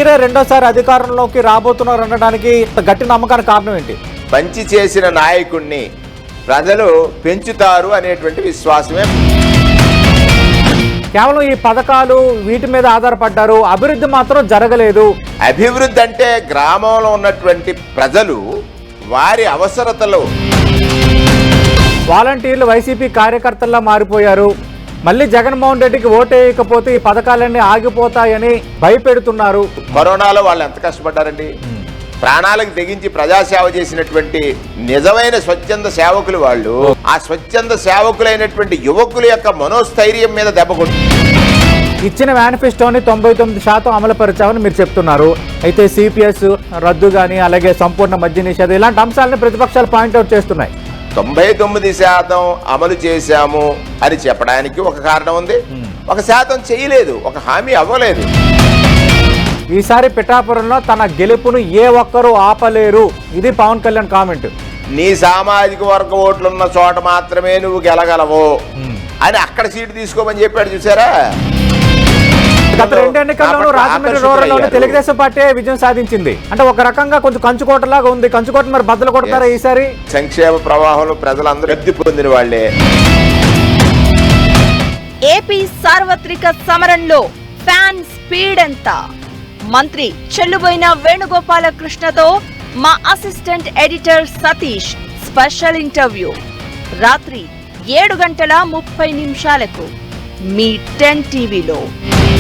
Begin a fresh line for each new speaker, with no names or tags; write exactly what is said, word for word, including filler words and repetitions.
మీరే రెండోసారి అధికారంలోకి రాబోతున్నారు అనడానికి గట్టి నమ్మకానికి కారణం ఏంటి?
మంచి చేసిన నాయకుడిని ప్రజలు పెంచుతారు అనేటువంటి విశ్వాసమే.
కేవలం ఈ పథకాలు వీటి మీద ఆధారపడ్డారు, అభివృద్ధి మాత్రం జరగలేదు.
అభివృద్ధి అంటే గ్రామంలో ఉన్నటువంటి ప్రజలు వారి అవసరతలు.
వాలంటీర్లు వైసీపీ కార్యకర్తల్లా మారిపోయారు. మళ్ళీ జగన్మోహన్ రెడ్డికి ఓటేయకపోతే ఈ పథకాలన్నీ ఆగిపోతాయని భయపెడుతున్నారు.
కరోనాలో వాళ్ళు ఎంత కష్టపడ్డారండి, ప్రాణాలకు తెగించి ప్రజాసేవ చేసినటువంటి నిజమైన స్వచ్ఛంద సేవకులు వాళ్ళు. ఆ స్వచ్ఛంద సేవకులైనటువంటి యువకుల యొక్క మనోస్థైర్యం మీద దెబ్బ కొట్టి
ఇచ్చిన మేనిఫెస్టోని తొంభై తొమ్మిది శాతం అమలు పరిచామని మీరు చెప్తున్నారు. అయితే సిపిఎస్ రద్దు కానీ, అలాగే సంపూర్ణ మద్య నిషేధం ఇలాంటి అంశాలను ప్రతిపక్షాలు పాయింట్అవుట్ చేస్తున్నాయి.
తొంభై తొమ్మిది శాతం అమలు చేశాము అని చెప్పడానికి ఒక కారణం ఉంది, ఒక శాతం చేయలేదు, ఒక హామీ అవ్వలేదు.
ఈసారి పిఠాపురంలో తన గెలుపును ఏ ఒక్కరూ ఆపలేరు, ఇది పవన్ కళ్యాణ్ కామెంట్.
నీ సామాజిక వర్గ ఓట్లున్న చోట మాత్రమే నువ్వు గెలగలవు అని అక్కడ సీటు తీసుకోమని చెప్పాడు. చూసారా,
గత రెండు ఎన్నికల్లోనూ రాజమండ్రి రూరల్లోనే తెలుగుదేశం పార్టీ విజయం సాధించింది. అంటే ఒక రకంగా కొంచెం కంచుకోటలాగా ఉంది. కంచుకోట మరి బద్దలు కొడతారా ఈసారి?
సంక్షేమ ప్రవాహంలో ప్రజలందరూ లబ్ధి పొందిన వాళ్లే.
ఏపీ సార్వత్రిక సమరంలో ఫ్యాన్ స్పీడ్ ఎంత? మంత్రి చెల్లుబోయిన వేణుగోపాలకృష్ణతో మా assistant editor Satish special interview రాత్రి ఏడు గంటల ముప్పై నిమిషాలకు మీ టెన్ టీవీలో.